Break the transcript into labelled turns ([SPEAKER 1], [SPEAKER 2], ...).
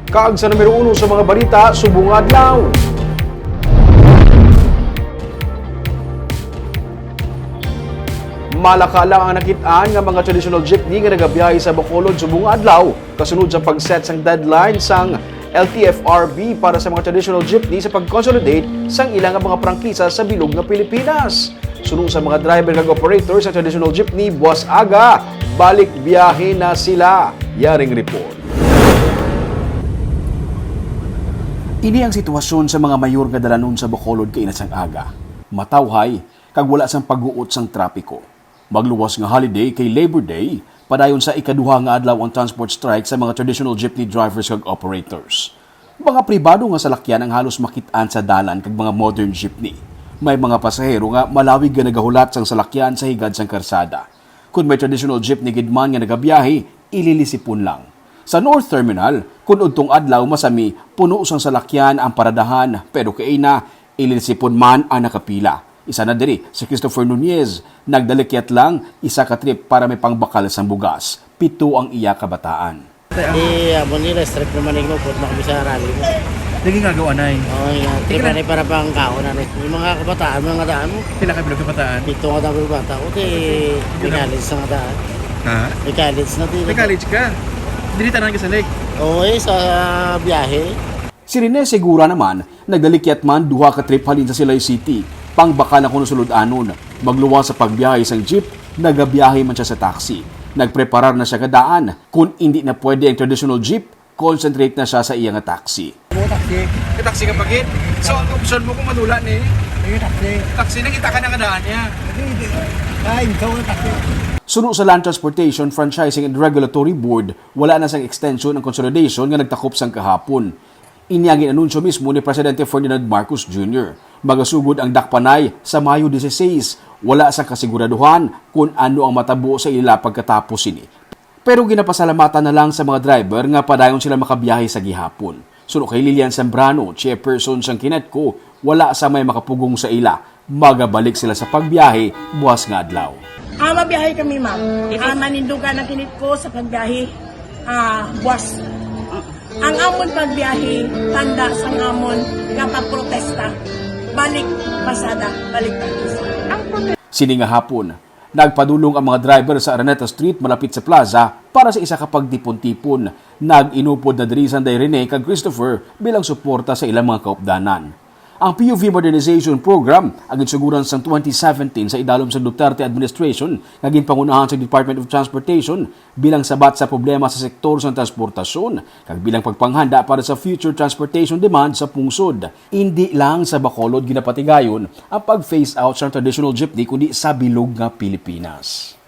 [SPEAKER 1] Kaag sa numero 1 sa mga balita, subong adlaw. Malaka lang ang nakitaan nga mga traditional jeepney nga nagabiyahe sa Bacolod subong adlaw kasunod sa pag-set sang deadline sang LTFRB para sa mga traditional jeepney sa pag-consolidate sang ilang mga prangkisa sa bilog nga Pilipinas. Sunod sa mga driver kag operator sa traditional jeepney, buwas aga, balik biyahe na sila. Yaring report. Ini ang sitwasyon sa mga mayor nga dalanon sa Bacolod kay inasang aga. Matawhay kag wala sang pag-uot sang trapiko. Magluwas nga holiday kay Labor Day, padayon sa ikaduha nga adlaw ang transport strike sa mga traditional jeepney drivers kag operators. Mga pribado nga salakyan ang halos makitaan sa dalan kag mga modern jeepney. May mga pasahero nga malawig nga nagahulat sang salakyan sa higad sang karsada. Kung may traditional jeepney gidman nga nagabiyahe, ililisipon lang. Sa North Terminal, kung udtong adlaw masami, puno sang salakyan ang paradahan, pero kay na ililisipon man ang nakapila. Isa na diri si Christopher Nunez, nagdalikyat lang isa ka trip para may pangbakal sa bugas. 7 ang iya kabataan.
[SPEAKER 2] Amo nila strip naman ng lupot na kami sa rally mo.
[SPEAKER 3] Naging gagawa na eh.
[SPEAKER 2] Oo, trip na para pang kaon na. Yung mga kabataan, mga daan mo.
[SPEAKER 3] Pila ka bilog kabataan?
[SPEAKER 2] 7 nga daw bata. O di, may college na nga daan.
[SPEAKER 3] Ha?
[SPEAKER 2] May college na din.
[SPEAKER 3] May college ka? Dinita na ka sa lake?
[SPEAKER 2] Oo, sa biyahe.
[SPEAKER 1] Si Rene Segura naman, nagdalikyat man 2 ka trip halin sa Silay City. Pangbakal na kuno sulod-anon. Magluwas sa pagbiyahe sang jeep, nagabiyahe man siya sa taxi. Nagpreparar na siya kadaan. Kung hindi na pwede ang traditional jeep, concentrate na siya sa iya nga taxi.
[SPEAKER 3] Taxi. May taxi ka pagit? So, ang option mo kung madula ni?
[SPEAKER 2] Taxi.
[SPEAKER 3] Taxi, nakita ka na kadaan niya.
[SPEAKER 2] Ay, ikaw ang taxi.
[SPEAKER 1] Sunod sa Land Transportation, Franchising and Regulatory Board, wala na sang extension ang consolidation nga nagtakop sang kahapon. Inyagin anunsyo mismo ni Presidente Ferdinand Marcos Jr. Magasugod ang dakpanay sa Mayo 16. Wala sa kasiguraduhan kung ano ang matabo sa ila pagkatapos ini. Pero ginapasalamatan na lang sa mga driver nga padayon sila makabiyahe sa gihapon. Sunod kay Lilian Zambrano, chairperson sang Kinetco, wala sa may makapugong sa ila. Magabalik sila sa pagbiyahe buwas nga adlaw.
[SPEAKER 4] Mabiyahe kami, ma'am. Manindugan ang kinit ko sa pagbiyahe. Buwas. Ang amon pagbiyahe, tanda sa amon kapag protesta. Balik pasada, balik pasada.
[SPEAKER 1] Sini nga hapon, nagpadulong ang mga driver sa Araneta Street malapit sa plaza para sa isa ka pagtipon-tipon. Nag-inupod na diri Sanday Rene kag Christopher bilang suporta sa ilang mga kaupdanan. Ang PUV Modernization Program ang insuguran sa 2017 sa idalom sa Duterte Administration naging pangunahan sa Department of Transportation bilang sabat sa problema sa sektor sa transportasyon kag bilang pagpanghanda para sa future transportation demand sa pungsod. Hindi lang sa Bacolod ginapatigayon ang pag-phase out sa traditional jeepney kundi sa bilog nga Pilipinas.